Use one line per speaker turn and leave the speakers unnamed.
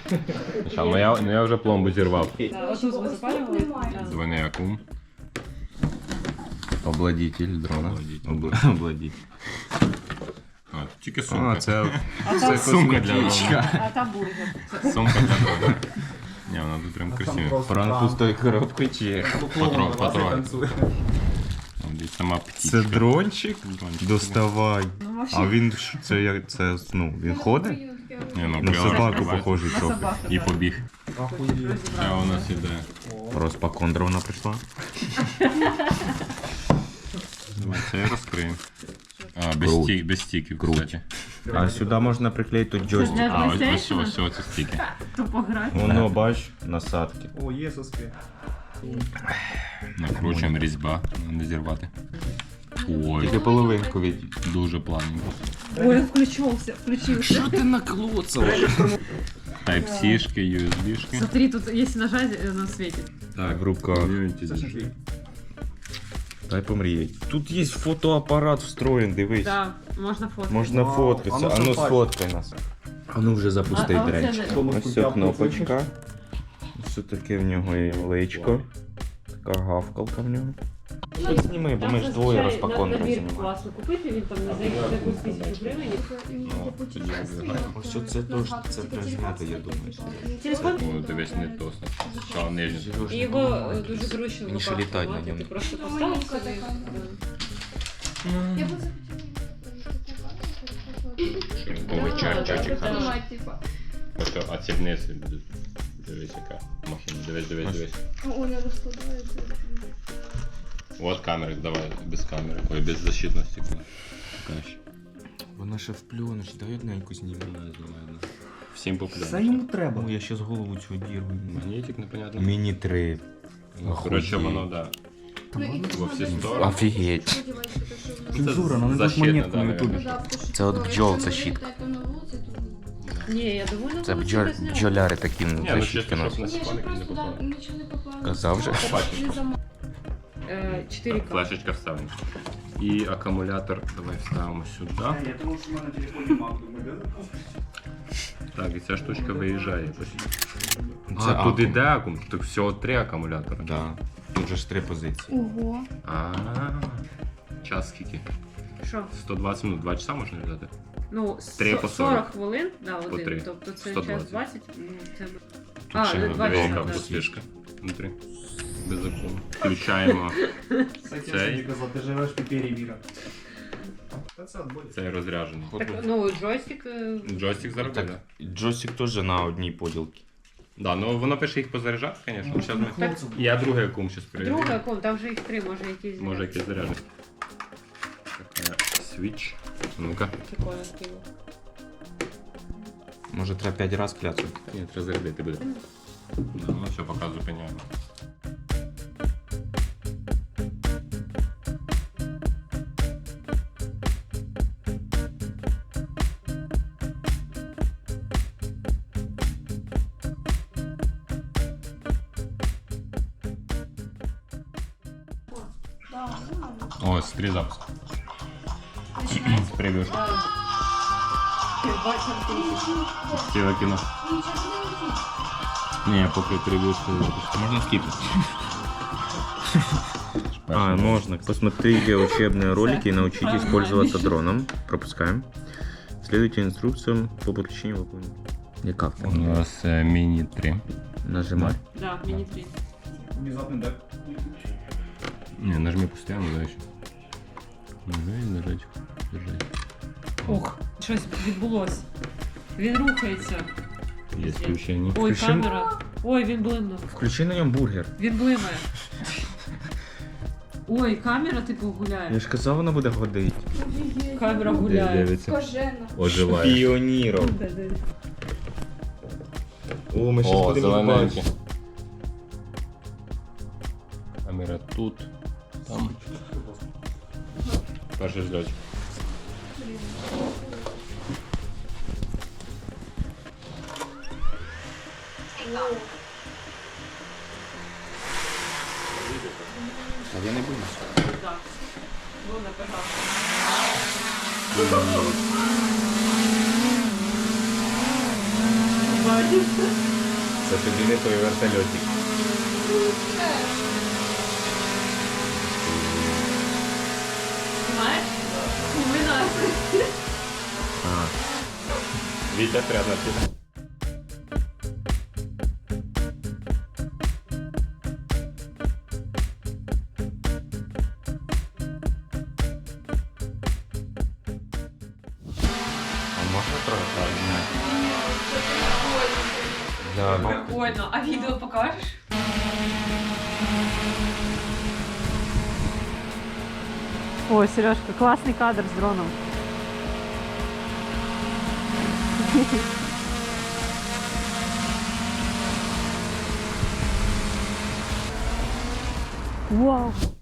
Я вже пломбу зірвав.
Отут ми запалювали.
Двойний акум. Обладитель дрона. Обладитель. А, тільки сумка. Це сумка для дрона.
А там бургер.
Сумка для дрона. Ні, вона тут прям красива.
Пранку з тої коробки чи...
Патрон. Десь сама птичка.
Це дрончик? Доставай. А він, він ходить? На собаку похожий трохи.
І побіг. А у нас іде.
Розпакондровна прийшла.
Давай, це я розкрию. А, без стіків, кстати.
А сюди можна приклеїти джойстик.
А, ось ці стіки.
Тупо грати.
Воно, бач, насадки.
О, є соски.
Накручуємо різьба, не зірвати. Ой,
Тільки половинку від.
дуже плавненько.
Ой, включився.
Що ти наклоцав? Type-C-шки, USB-шки.
Смотри, тут если нажать, оно светит.
Так,
В руках. Дай помріять. Тут є фотоапарат встроєн, дивись.
Да, можно фото.
Можна фоткатися. А ну сфоткай нас. А ну вже запусти
А
дренч.
оце
Ось ця кнопочка. Ось таке в нього є личко. Така гавкалка в нього. Хоч зніми, бо ми ж двоє розпаконки знімаємо.
Класно купити, він там за якусь 1000 гривень.
Ось це теж, це прижмете, я думаю.
Телефон?
Ну, дивись, не то. Що, нижній.
І його дуже зручно в
Він ще
руках
літать на
тримати.
ньому.
Ти просто поставив собі.
Я бы захотела.
Ой, чайчик.
Понимать, типа.
Ось, а ці вниз. Дивись, яка машина. Дивись.
Оля розкладається.
От камери, давай, без камери. Ой, без защитності. Краще.
Вона ще в пленочці, дай одненьку зніму.
Всім по
Це йому треба.
Ну, я ще з голову цю дірву.
Магнітик, непонятно.
Міні 3.
Ну, коротше, воно, да. Во всі сторони.
Офігеть.
Цензура, нам не
Защитна,
дадуть монетку
да,
на ютубі.
Це от бджол защитка.
Ні, я довольна.
Це
була себе зняла.
бджоляри такі
Ні, ну
защитки
чисто,
нас.
щоб на
Ні, щоб
сіпаник не
просто
попало.
нічого не попало.
Казав же.
Побачимо.
4К.
Флешечка вставлена. І акумулятор давай вставимо сюди.
Я думав, що в мене на телефоні мак, думаю, де?
Так, і ця штучка виїжджає.
Це
А, тут
акум.
іде акум, тут всього 3 акумулятора.
Да. Тут же ж 3 позиції.
Ого.
А, час скільки?
Що?
120 минут, 2 часа можна взяти?
Ну,
3 по
40 хвилин, да,
По
один.
3.
Тобто це
120.
час 20. Ну, це...
Тут ще
не
диви,
20,
яка
да.
пустишка внутрі. Без акуму. Включаємо
Кстати,
Цей?
я тобі казав, ти живеш в піпері віра. Та це отболить.
цей розряджений.
Так, ну, джойстик...
Джойстик зараз буде.
Так, джойстик теж на одній поділці.
Да, ну воно пише їх позаряджати, звісно. Щас ми...
Хлопців.
Я другий акум зараз перевірю.
Друга ком, там вже їх 3, може якісь...
Може якийсь заряджений. Така свіч. Ну-ка.
Прикольно, киво.
Може треба 5 разів кляцати.
Ні, треба зарядити буде. Да, ну все, поки зупиняємо. О, смотри запуск. Превьюшка. Ціле кіно. Ні, поки превьюшку запуск. Можна скипати.
А, можно. Посмотрите учебные ролики и научитесь пользоваться дроном. Пропускаем. Следуйте инструкциям по подключению выполнения. Яка в
У
тебе?
нас Mini 3.
Нажимай.
Да, мені 3.
Внезапно, да?
Не, нажми постоянно, да, еще. Нажать. Держать.
Ох, щось відбулось. Він рухається.
Є включення.
Ой,
Включи.
камера. Ой, він блимнув.
Включи на ньому бургер.
Він блимає. Ой, камера типу гуляє.
Я ж казав, вона буде ходити.
Камера гуляє.
Дивиться.
Кожена.
Оживає.
Піоніром. О, ми щас
О,
будемо
зелененьке.
бачити.
Камера тут. Там. Перший зльотик.
А я не боюсь.
Так. Ну, напевно. бачиш.
Це тобі не той вертольотик.
Знаєш? Ми нас.
А,
Вітя прямо на тебе.
а можна трохи обняти? Да, ну,
Прикольно. А відео покажеш? О, Сережка, класний кадр з дроном. Вау!